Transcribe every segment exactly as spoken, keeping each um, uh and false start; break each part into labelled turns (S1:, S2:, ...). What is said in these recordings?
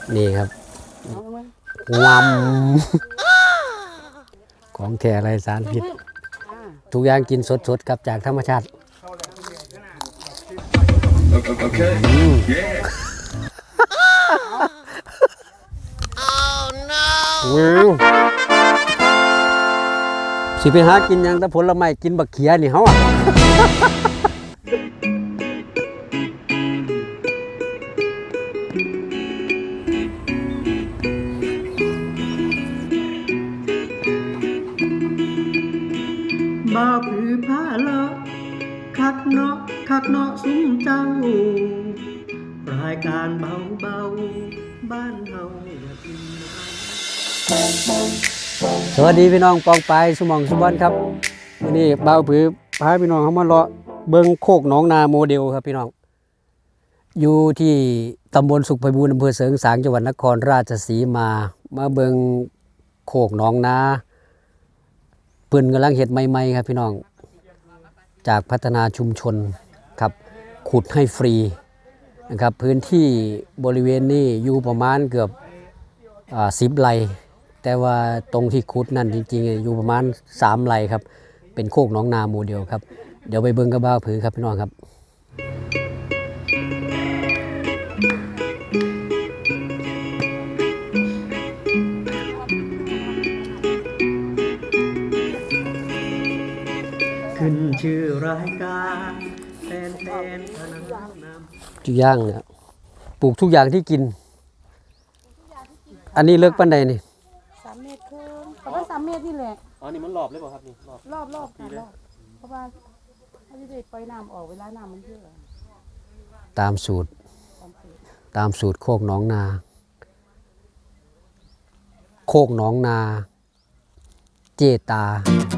S1: นี่ครับงวมของแท้ไรสารพิษทุกอย่างกินสดๆครับจากธรรมชาติสิไปหากินยังแต่ผลไม้กินบักเขียนี่เขาอ่ะ
S2: บ่าวผือผ้าเลาะคักเนาะคักเนาะซุ้มเจ้ารายการเบาเบาบ้านเฮาอย่ากิน
S1: สวัสดีพี่น้องปองปายสมองสุบอนครับวันนี้บ่าวผือพาพี่น้องเขามาเลาะเบิ้งโคกหนองนาโมเดลครับพี่น้องอยู่ที่ตำบลสุขไพบูลย์อำเภอเสริงสางจังหวัดนครราชสีมามาเบิ้งโคกหนองนาเปิ้นกำลังเฮ็ดใหม่ๆครับพี่น้องจากพัฒนาชุมชนครับขุดให้ฟรีนะครับพื้นที่บริเวณนี้อยู่ประมาณเกือบสิบไร่แต่ว่าตรงที่ขุดนั่นจริงๆอยู่ประมาณสามไร่ครับเป็นโคกหนองนาโมเดลครับเดี๋ยวไปเบิ่งกับบ่าวผือครับพี่น้องครับ
S2: ขึ้นชื่อรายการแฟนแฟนพนันน้ำ
S1: จุย่างเนี่ยปลูกทุกอย่างที่กินอันนี้เลิกปันใดนี่
S3: สามเมตรครึ่งประมาณสามเมตรนี่แหละ
S4: อ๋อนี่มันรอบเลยเปล่าครับนี่รอบ
S3: รอบรอบค่ะรอบเพราะว่าถ้าจะได้ปล่อยน้ำออกเวลาน้ำมันเยอะ
S1: ตามสูตรตามสูตรโคกหนองนาโคกหนองนาเจตา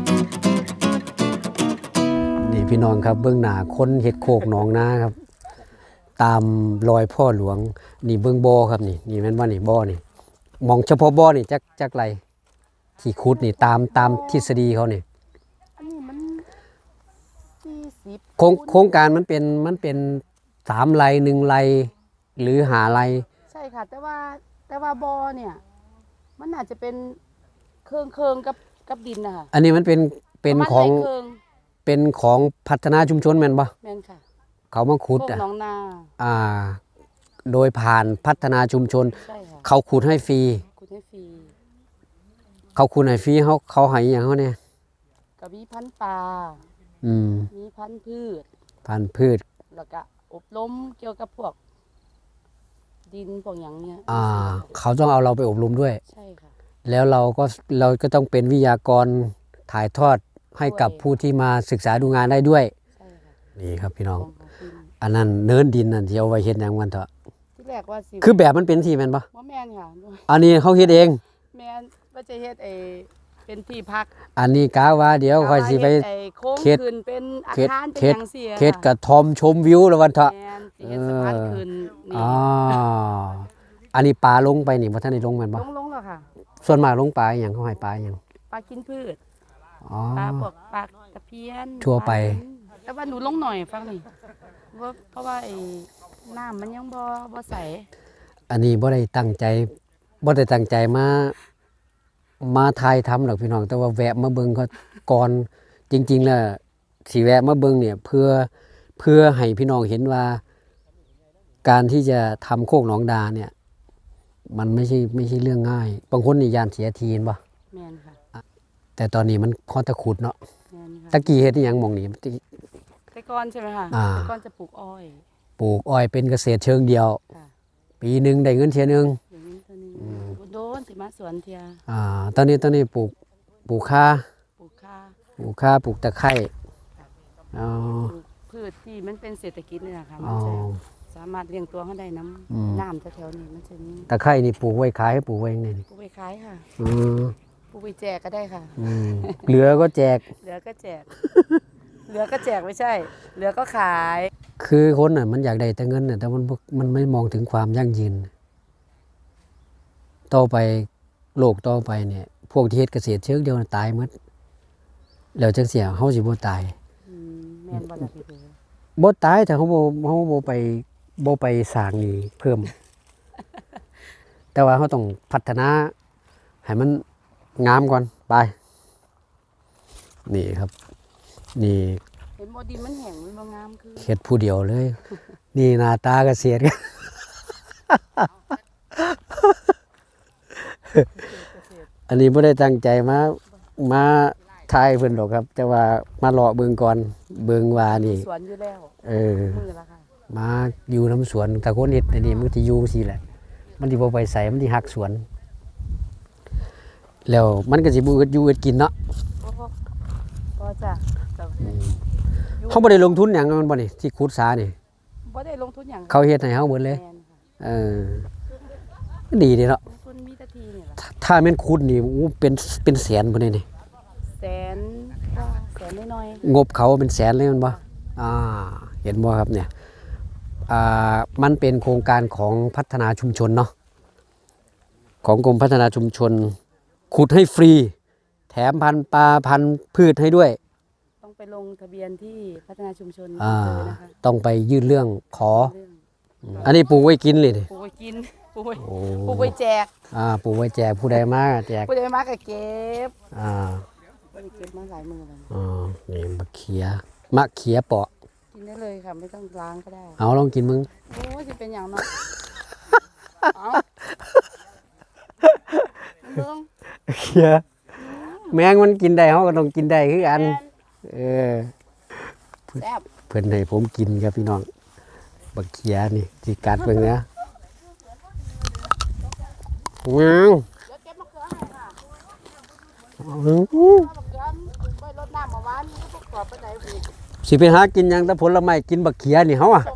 S1: นี่พี่น้องครับเบื้องหน้าคนเฮ็ดโคกหนองนาครับตามรอยพ่อหลวงนี่เบื้องบ่อครับนี่นี่แม่นว่านี่บ่อนี่มองเฉพาะบ่อนี่จักจักไรที่ขุดนี่ตามตามทฤษฎีเขานี่
S3: อันนี้มันสี่สิบ
S1: โครงโครงการมันเป็นมันเป็นสามไรหนึ่งไรหรือหาไร
S3: ใช่ค่ะแต่ว่าแต่ว่าบ่อเนี่ยมันอาจจะเป็นเครื่องเครื่องกับกับดินนะคะ
S1: อันนี้มันเป็นเป็นของเป็นของพัฒนาชุมชนแม่นบ่
S3: แม่นค่ะ
S1: เขามาขุดอ่ะอ่าโดยผ่านพัฒนาชุมชนเขาขุดให้ฟรี
S3: ขุดให้ฟรี
S1: เขาขุดให้ฟรีเขาเขาให้อย่างเขาเนี่ย
S3: ก็มีพันธุ์ปลา
S1: อืม
S3: มีพันธุ์พืช
S1: พันธุ์พืช
S3: แล้วก็อบรมเกี่ยวกับพวกดินพวกอย่างเนี้ย
S1: อ่าเขาต้องเอาเราไปอบรมด้วย
S3: ใช่ค่ะ
S1: แล้วเราก็เราก็ต้องเป็นวิทยากรถ่ายทอดให้กับผู้ที่มาศึกษาดูงานได้ด้วยนี่ครับพี่น้องอันนั้นเนินดินนั่นที่เอาไว้เฮ็ดหยังวันเถอะ
S3: ที่แรกว่าสิ
S1: คือแบบมันเป็นที่แม่นบ่
S3: บ่แม่นค่ะ
S1: อันนี้เขาเฮ็ดเอง
S3: แม่นว่าจะเฮ็ดไอ้เป็นที่พัก
S1: อันนี้กะว่าเดี๋ยวค่อยสิไป
S3: เฮ็ดขึ้นเป็นอาคารเป็นจังซี่
S1: เฮ็ดกระท่อมชมวิวแล้ววันเถอะ
S3: แม่นสิเฮ็ดสะพานขึ้นนี่
S1: อ๋ออันนี้ปลาลงไปนี่บ่ทันได้ลงแม่นบ่
S3: ลงๆแล้วค่ะ
S1: ส่วนมากลงปลาหยังเขาให้ปลาหยัง
S3: ปลากินพืช
S1: อ๋อ
S3: ปลาพวกปลาตะเพียน
S1: ทั่วไป
S3: แต่ว่าหนูลงหน่อยฟังนี่เพราะว่าไอ้น้ำมันยังบ่บ่ใส
S1: อันนี้บ่ได้ตั้งใจบ่ได้ตั้งใจมามาถ่ายทำหรอกพี่น้องแต่ว่าแวะมาเบิ่งเขาก่อนจริงๆแล้วสิแวะมาเบิ่งเนี่ยเพื่อเพื่อให้พี่น้องเห็นว่าการที่จะทำโคกหนองดาเนี่ยมันไม่ใช่ไม่ใช่เรื่องง่ายบางคนนี่ยานเสียทีเห็นบ่
S3: แม่นค่ะ
S1: แต่ตอนนี้มันค่อนตะขุดเนาะ
S3: แม่นค่ะ
S1: ตะกี้เฮ็ดอีหยังหม่องนี้
S3: แต่ก่อนใช่มั้ยคะแต่ก่อนจะปลูกอ้อย
S1: ปลูกอ้อยเป็นเกษตรเชิงเดียวปีนึงได้เงินเที่ยนึง
S3: โดนสิมาสวนเที่ย
S1: อ่าตอนนี้ตอนนี้ปลูกปลูกข่า
S3: ปลูกข่า
S1: ปลูกข่าปลูกตะไคร้อ๋อ
S3: พืชที่มันเป็นเศรษฐกิจนี่นะคะมันจะสามารถเลี้ยงตัวเขาได้น้ำน้ำแถวๆนี้มันจะมี
S1: ตะไคร้นี่ปลูกไว้ขายให้ปลูกไว้ยังไงนี่
S3: ปลูกไว้ขายค่ะ
S1: อือ
S3: ปลูกไว้แจกก็ได้ค่ะ
S1: อืมเหลือก็แจก
S3: เหลือก็แจกเหลือก็แจกไม่ใช่เหลือก็ขาย
S1: คือคนน่ะมันอยากได้แต่เงินน่ะแต่มันมันไม่มองถึงความยั่งยืนต่อไปโลกต่อไปเนี่ยพวกที่เฮ็ดเกษตรเชิงเดียวตายหมดแล้วจังเสียเฮาสิบ่ตาย
S3: อืมแม่นบ่ล่ะพี่เด้อ
S1: บ่ตายถ้าเฮาบ่เฮาบ่ไปบ่ไปสร้างนี่เพิ่มแต่ว่าเขาต้องพัฒนาให้มันงามก่อนไปนี่ครับนี่
S3: เห็นบ่ดินมันแห้งมันบ่งามคือ
S1: เฮ็ดผู้เดียวเลย นี่หน้าตาเกษตร อันนี้ไม่ได้ตั้งใจมามาทายเพิ่นหรอกครับ แต่ว่ามาเลาะเบิ่งก่อนเบิ่งว่านี่
S3: สวนอยู่แล้ว
S1: เออ
S3: มือละค่ะ
S1: มาอยู่น้ำสวนตะโกนเฮ็ดอันนี้มันสิอยู่สิแหละ มันสิบ่ไปใส่มันสิหักสวน แล้วมันก็สิบ่อึดอยู่อึดกินเนาะ
S3: พอพอจ้ะแต่
S1: เฮาบ่ได้ลงทุนหยังมันบ่นี่ที่ขุดสานี่
S3: บ่ได้ลงทุนหยัง
S1: เขาเฮ็ดให้เฮาหมดเลย
S3: แม่นค่ะ
S1: เออดีเด้เนาะ
S3: ลงทุนมีแตะทีนี่ล่ะ
S1: ถ้าถ้าแม่นขุดนี่โอ้เป็นเป็นแสนพุ่นนี่นี่
S3: แสนก็แสนน้อย
S1: งบเขาเป็นแสนเลยแมันบ่อ่า เห็นบ่ครับเนี่ย อ่า มันเป็นโครงการของพัฒนาชุมชนเนาะ ของกรมพัฒนาชุมชน ขุดให้ฟรี แถมพันธุ์ปลาพันธุ์พืชให้ด้วย
S3: ๆต้องไปลงทะเบียนที่พัฒนาชุมชน
S1: อ่า
S3: เลยนะคะ
S1: ต้องไปยื่นเรื่องขอ
S3: เรื่อง
S1: อันนี้ปลูกไว้กินเลยนี่
S3: ปลูกไว้กินปลูกไว้
S1: โอ้
S3: ปลูกไว้แจก
S1: อ่า ปลูกไว้แจกผู้ใดมาแจก
S3: ผู้ใดมาก็เก็บ
S1: อ่า
S3: บ่ได้เก็บมาหลายมื้อแล้ว
S1: อ๋อนี่มะเขีย มะเขียเปาะ
S3: กินได้เลยค่ะไม่ต้องล้างก็ได้
S1: เอาลองกินมึง
S3: โอ้ยสิเป็นอย่างเนาะ เอาเบิ่ง
S1: เขีย แมงมันกินได้เขาก็ต้องกินได้คือกัน เออ
S3: แซ่บ
S1: เพิ่นให้ผมกินครับพี่น้องบักเขียนี่สิกัดเบิ่งนะว้าว
S3: เดี๋ยวเก็บมะเขือให้ค่ะ
S1: อื้อ
S3: มะเขือไปรดน้ำเมื่อวานนี้ก็ประกอบไปไหนอีก
S1: สิไปหากินหยังแต่ผลไม้กินบักเขียนี่เฮาอ่ะ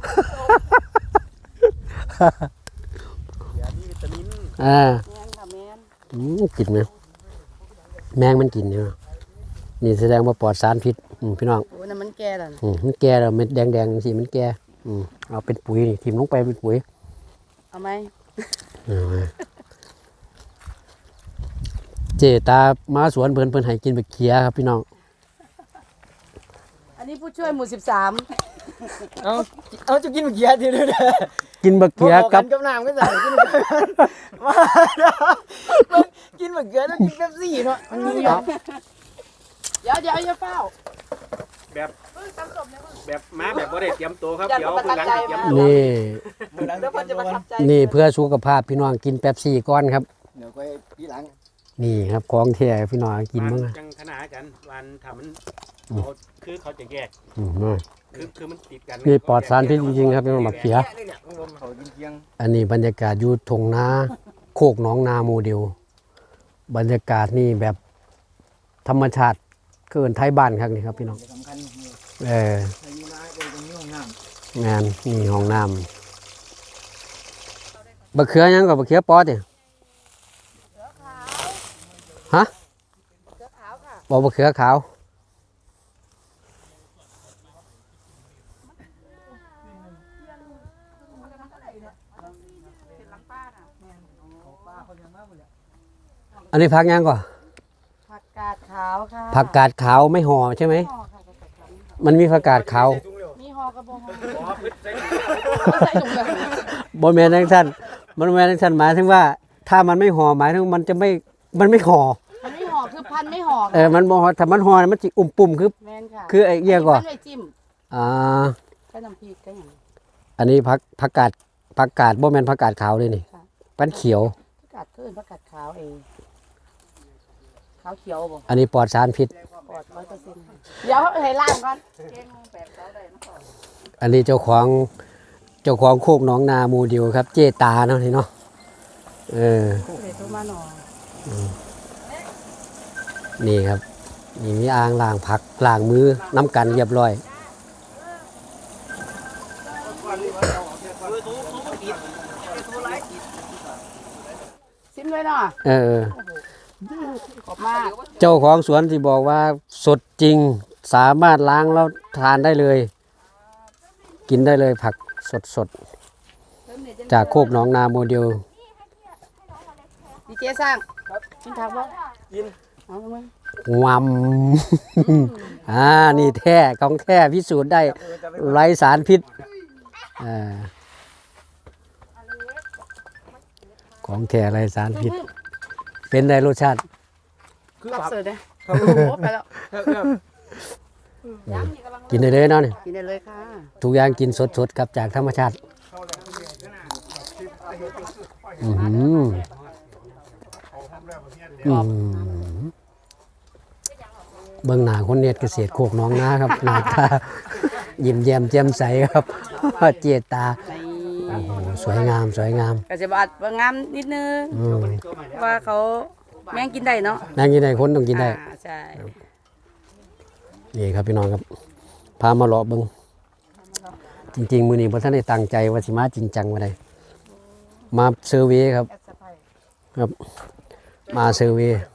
S4: ยามีวิตามิน
S1: อ่า
S3: แม่นค่ะแม่น
S1: อืมกินไหมแมงมันกินเนี่ยนี่แสดงว่าปลอดสารพิษอืมพี่น้อง
S3: โอ้นั่นมันแก่แล้วนะ
S1: อืมมันแก่แล้วเม็ดแดงๆสิมันแก่อืมเอาเป็นปุ๋ยนี่ทิ่มลงไปเป็นปุ๋ย
S3: เอาไหม
S1: เอามาเจตามาสวนเพิ่นเพิ่นให้กินบักเขียครับพี่น้อง
S3: อันนี้ผู้ช่วยหมู่สิบสาม
S2: เอาเอาจะกินเมื่อกี้ทีเดียวเด้อ
S1: กินบักเขียกับ
S2: กับน้ำก็ใส่กินมากินเมื่อกี้แล้วกินเป๊ปซี่เนาะมันมี
S3: เดี๋ยวเดี๋ยวอย่าเฝ้า
S4: แบบ
S3: เพิ่งทำศพเนี่ยเพิ่ง
S4: แบบมาแบบบ่ได้เตรียมตัวครับ
S3: อย่า
S4: เดี๋ยว
S3: ประ
S4: เพิ่งหลัง
S3: ทับใจ
S4: เตรียม
S3: มาก
S4: ตัว
S1: นี่
S2: เดี๋ยว
S3: เดี๋ยวเพิ่นจะประทับใจ
S1: นี่เพื่อสุขภาพพี่น้องกินแป๊บซี่ก้อนครับ
S2: เดี๋ยวไปทีหลัง
S1: นี่ครับของแท้พี่น้องกินมั้ง
S4: วั
S1: อะ
S4: จังขนาดกันวันทำมัน
S1: อืม
S4: เขาคือเขาจะแยก
S1: อืมมา
S4: คือคือมันติดกัน
S1: นี่ปลอดสารพิษจริงๆครับพี่น้องบักเขีย
S2: นี่เนี่ยของผมเขากินเกียง
S1: อันนี้บรรยากาศอยู่ทงนาโคกหนองนาโมเดล บรรยากาศนี่แบบธรรมชาติเกินไทยบ้านครับนี่ครับพี่น้อง
S2: สำคัญนี่
S1: เออ
S2: อายุน้อยเป็นตรงนี้ห้องน้
S1: งานนี่ห้องน้ำบักเขือหยังกับบักเขือปอดเนี่ยฮะ
S3: เสื้อขาวค่ะ
S1: บอกบักเขือขาว
S3: เป็นหลังป้าน่ะ
S2: ำป้าเขายังมากเลย
S1: อันนี้ผักหยังก่อน
S3: ผักกาดขาวค่ะ
S1: ผักกาดขาวไม่ห่อใช่ไหม
S3: ห่อค่ะผักกาดขาว
S1: มันมีผักกาดขาว
S3: มีห่อกระบอกห่อ
S4: อ๋อพืชใส่
S3: ไม่ใส่ถุงเลย
S1: บนแมนทั้งสั้นบนแมนทั้งสั้นหมายถึงว่า ถ้ามันไม่ห่อหมายถึงมันจะไม่มันไม่ห่อ
S3: มันไม่ห่อคือพันไม่ห่อ
S1: เออมันบ่ห่อถ้ามันห่อมันจะอุ่มปุ่มคือ
S3: แม่นค่ะ
S1: คือไอ้เอี้ยก่อน
S3: พันไว้จิ้ม
S1: อ่า
S3: ก็น้ำพริกก็อย่าง
S1: อันนี้ผักผักกาดผักกาดบ่แม่นผักกาดขาวเลยนี่
S3: ค่ะ
S1: ปันเขียว
S3: ผักกาดขึ้นผักกาดขาวเองขาวเขียวบ่
S1: อันนี้ปลอดสารพิษ
S3: ปลอดร้อยเปอร์เซ็นต์เดี๋ยวให้ล่างก่อนเก่งแปดเก้าได้นะก่อน
S1: อันนี้เจ้าของเจ้าของโคกหนองนาโมเดลครับ เจตาเนาะนี่เนาะเออ
S3: เดี๋ยวโทรมาหน่อย
S1: นี่ครับนี่มีอ่างล้างผักล้างมือน้ำกันเรียบร้อย
S3: ซิมด้วยเนาะ
S1: เออ
S3: ขอบมาก
S1: เจ้าของสวนที่บอกว่าสดจริงสามารถล้างแล้วทานได้เลย กินได้เลยผักสดสดๆจากโคกหนองนาโมเดล
S3: ดีเจสร้างกินทางบ่กินเอาไหม
S1: งวำ อ่านี่แท้ของแท้พิสูจน์ได้ไร้สารพิษอ่าของแท้ไรสารพิษ เป็นได้รสชาติ
S4: คือ
S3: รับ
S4: ปรับ
S3: เสิร์ฟเลย
S4: ครับ
S3: โอ้โหไปแล้ว
S4: ครับ
S3: ยังนี่กำลัง
S1: กินได้เลยเนาะนี่
S3: กินได้เลยค่ะ
S1: ทุกอย่างกินสดๆครับจากธรรมชาติอือหืออืมเบื้องหน้าคนเน็ตเกษตรโคกหน้องนาครับ หน้าตายิ้มแย้มแจ่มใสครับ เจตา
S3: ใน
S1: โอ้โหสวยงามสวยงาม
S3: กระเจี๊ยบอัดว่างามนิดนึง
S1: อืม
S3: ว่าเขาแม่งกินได้เนาะ
S1: แม่งกินได้คนต้องกินได้
S3: อ่าใช่
S1: นี่ครับพี่น้องครับ พามาเลาะเบิงจริงๆ มือนี้ผมท่านได้ตั้งใจว่าสิมาจริงจังมาได้มาเซอร์เวย์ครับ
S3: แอดสะไพร
S1: ครับ มาเซอร์เวย์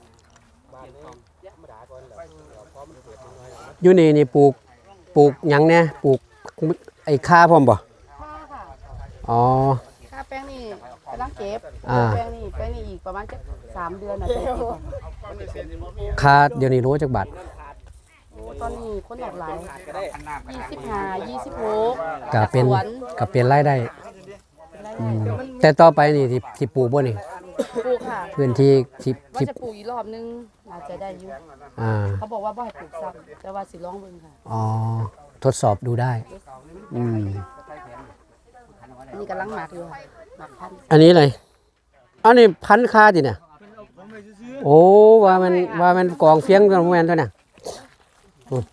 S1: อยู่นี่นี่ปลูกปลูกหยังเนี่ยปลูกไอ้ข้าพร้อมบ่
S3: ค่ะค่ะ
S1: อ๋อ
S3: ค่าแป้งนี่กำลังเก็บ
S1: อ่า
S3: แป้งนี่แป้งนี่อีกประมาณจะสามเดือนนะจะเก็บ
S1: ค่าเดี๋ยวนี้รู้จักบาท
S3: โอ้ตอนนี้คนหลากหลายยี่สิบห้ายี่สิบหก
S1: ก็เป็น
S3: สวน
S1: ก็เป็นรายได้
S3: เป็นไร
S1: อืมแต่ต่อไปนี่ที่ที่ปลูกบ่นี่
S3: ปลูกค่ะ
S1: พื้นที่ที่
S3: ว่า
S1: ที่
S3: จะปลูกอีกรอบนึงอาจจะได้อยู่
S1: อ่า
S3: เขาบอกว่าบ่ให้ปลูกซ้ำแต่ว่าสิลองเบิ่งค่ะ
S1: อ๋อทดสอบดูได้ อืม
S3: อันนี้กำลังหมักอยู่ค่ะหมักพันธุ์
S1: อันนี้เลยอันนี้พันค่าดิเนี่ยโอ้ว่ามันว่ามันกองเฟียงกันแมนตัวเนี่ยอืม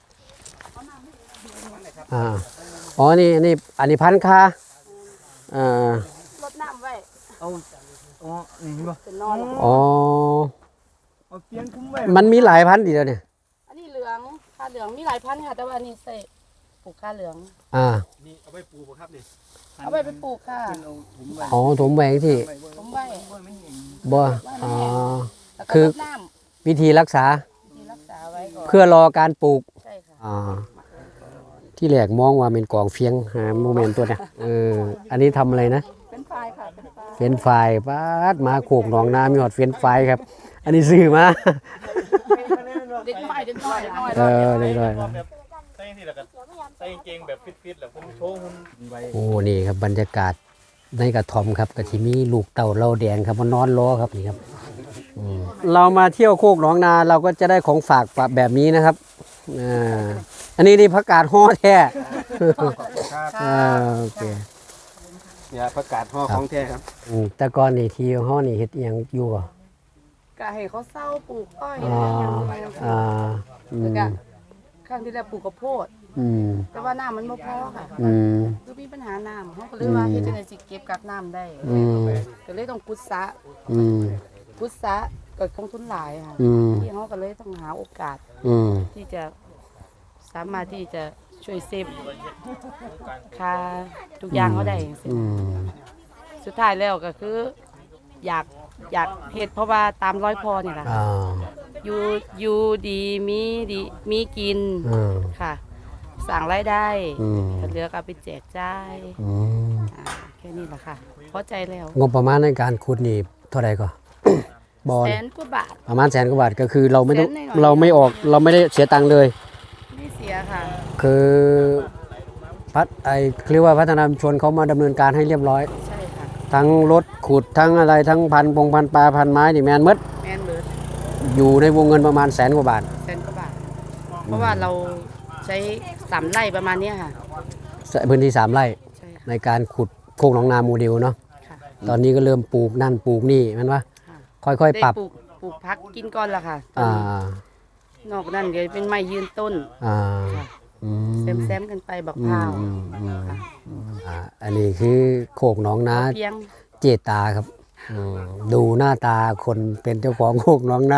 S1: อ่าอ๋อนี่นี่อันนี้พันค่าอ่าร
S3: ดน้ำไว้
S2: เอาอ๋อนี่บ่
S3: เป็นนอนแล้ว
S1: อ๋อ
S2: เอาเตียงคุ้มไว้
S1: มันมีหลายพันธุ์ดีแล้วเนี่ย
S3: อันนี้เหลืองค่าเหลืองมีหลายพันธุ์ค่ะแต่ว่าอันนี้ใส่ปลูกค่าเหลือง
S1: อ่า
S4: นี่เอาไปปลูกบ่ครับนี่
S3: เอาไปไปปลูกค่ะ
S2: เอาถุงไว้
S1: อ๋อถมแหวงที่
S3: ผมไว้
S1: บ่อ๋อ
S3: แล้วก็
S1: คือ
S3: รดน้
S1: วิธีรักษา
S3: ำที่รักษาไว้ก่อน
S1: เพื่อรอการปลูก
S3: ใช่ค่ะ
S1: อ่าที่แรกมองว่าเป็นกองเฟียงหาโมเมนต์ตัวเนี่ยเอออันนี้ทำอะไรนะ
S3: เป็นไฟค่ะเป็นไฟ
S1: เฟรนช์ฟรายป้าดมาโขกหนองน้ำมีหอดเฟรนช์ฟรายครับ อันนี้ซื้อมา
S3: เด็ดหน่อยเด็ดหน่อยหน่อย
S1: เออได้ด้วย
S4: ใส่ที่แล้วก็ใส่กางเกงแบบฟิตๆแล้วผมโชว์หุ่นไว้
S1: โอ้นี่ครับบรรยากาศในกระท่อมครับกะทิมีลูกเต่าเหล่าแดงครับมานอนรอครับนี่ครับอืมเรามาเที่ยวโคกหนองนาเราก็จะได้ของฝากแบบนี้นะครับอ่าอันนี้นี่ผักกาดห่อแท้ อ่าโอเค
S4: เนี่ยประกาศห่อของแท้ครับ
S1: อืมแต่ก่อนนี่ที่ห่อนี่เฮ็ดอิหยังอยู่ก่อ
S3: ก็ให้เขาเศร้าปลูกอ้อย
S1: อ่า
S3: อะไรอย่างเงี้ย
S1: อ่าอื
S3: แล้ว
S1: ม
S3: ก็ครั้งที่แล้วปลูกข้าวโพด
S1: อืม
S3: แต่ว่าน้ำมันไม่พอค่ะ
S1: อืม
S3: คือมีปัญหาน้ำเขาก็เลยว่าเฮ็ดจังได๋สิเก็บกักน้ำได้
S1: อืม
S3: ก็เลยต้องกุดสระ
S1: อืม
S3: กุดสระก็คงทุนหลายค่ะ
S1: อืม
S3: ที่เขาก็เลยต้องหาโอกาส
S1: อืม
S3: ที่จะสามารถที่จะช่วยเซฟค่าทุกอย่างเขาได้อย่างเงี้ย
S1: อืม
S3: สุดท้ายแล้วก็คือ อยากอยากเฮ็ดเพราะว่าตามร้อยพอนี่แหละ
S1: อ่า
S3: อยู่อยู่ดีมีดีมีกิน
S1: อืม
S3: ค่ะสั่งรายได้
S1: อืม
S3: ถ้าเหลือก็เอาไปแจกจ่าย
S1: อืม
S3: อ่าแค่นี้แหละค่ะพอใจแล้ว
S1: งบประมาณในการขุดนี่เท่าไหร่ก็ บอล
S3: แสนกว่าบาท
S1: ประมาณแสนกว่าบาทก็คือเราไม่ต้อง
S3: แสนหน่อยๆ
S1: เราไม่ออกเราไม่ได้เสียตังค์เลย
S3: ไม่เสียค่ะ
S1: คือพัดไอเรียกว่าพัฒนาชุมชนเขามาดำเนินการให้เรียบร้อย
S3: ใช่ค่ะ
S1: ทั้งรถขุดทั้งอะไรทั้งพันปงพันปลาพันไม้นี่แมนหมด
S3: แมนเบิร์ด
S1: อยู่ในวงเงินประมาณแสนกว่าบาท
S3: แสนกว่าบาท เพราะว่าเราใช้สามไร่ประมาณเนี้ยค่ะ
S1: พื้นที่สามไร่
S3: ใช่ค่ะ
S1: ในการขุดโคกหนองนาโมเดลเนาะ
S3: ค่ะ
S1: ตอนนี้ก็เริ่มปลูกนั่นปลูกนี่แมันว่า
S3: ค่ะ
S1: ค่อยๆปรับ
S3: ได้ปลูกปลูกพักกินก่อนละค่ะตอน
S1: อ่า
S3: นี้นอกนั้นเดี๋ยวเป็นไม้ยืนต้น
S1: อ่า
S3: ค่ะ
S1: อืม
S3: แซมแซมๆกันไปบัก
S1: อื
S3: พร้าม ว
S1: อืมอืม
S3: ค่ะ
S1: อ่าอันนี้คือโคกหนองนา
S3: เพียง
S1: เจตาครับอืมดูหน้าตาคนเป็นเจ้าของโคกหนองนา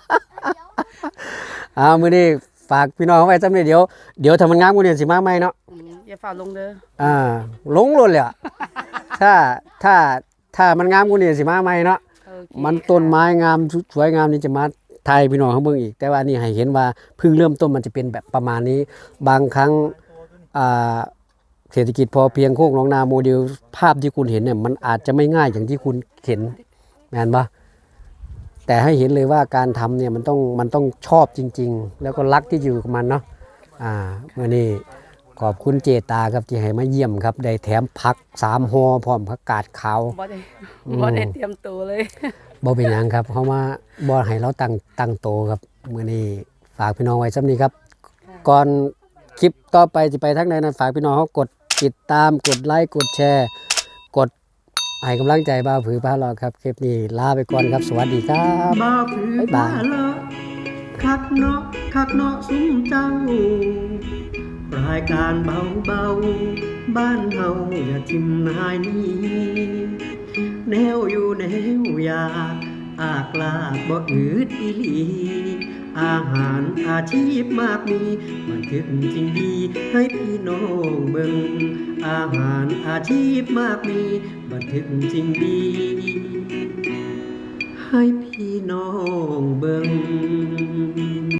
S1: อ่ามื้อนี้ฝากพี่น้องไว้จำเนี่ยเดี๋ยวเดี๋ยวถ้ามันงามกูเนี่ยสิมาใหม่เนาะ
S3: อืมอย่าฝ่าลงเด้อ
S1: อ่าลงรถเลยอะ ถ้าถ้าถ้ามันงามกูเนี่ยสิมาใหม่เนาะ
S3: โอเค
S1: มันต้นไม้งามสวยงามนี่จะมาไทยพี่น้องเขาเบิ่งอีก แต่ว่านี่ให้เห็นว่าเพิ่งเริ่มต้นมันจะเป็นแบบประมาณนี้ บางครั้งอ่าเศรษฐกิจพอเพียงโคกหนองนาโมเดลภาพที่คุณเห็นเนี่ยมันอาจจะไม่ง่ายอย่างที่คุณเห็นแม่นปะแต่ให้เห็นเลยว่าการทำเนี่ยมันต้องมันต้องชอบจริง ๆ แล้วก็รักที่อยู่กับมันเนาะอ่าเมื่อนี้ขอบคุณเจตาครับที่ให้มาเยี่ยมครับได้แถมผักสามห่อพร้อมผักกาดขาว
S3: บ่ได้
S1: อืม
S3: บ่ได้เตรียมตัวเลย
S1: บ่เป็นหยังครับเพราะว่าบ่ให้เราตั้งตั้งโตครับมื้อนี้ฝากพี่น้องไว้ซ้ำนี้ครับ ก่อนคลิปต่อไปสิไปทางใดนั้นฝากพี่น้องเขากดติดตามกดไลค์กดแชร์ กดให้กำลังใจบ่าวผือพาเลาะครับคลิปนี้ลาไปก่อนครับสวัสดีครับ
S2: บ่าวผือ
S1: บ๊ายบา
S2: พาย เลาะคักเนาะคักเนาะซุ้มเจ้า รายการเบาเบาๆบ้านเฮาอย่าทิมนายนี้แนวอยู่แนวอยากอากลากบ่อืดอีหลี อาหารอาชีพมากมีบันทึกจริงดีให้พี่น้องเบิ่งอาหารอาชีพมากมีบันทึกจริงดี ให้พี่น้องเบิ่ง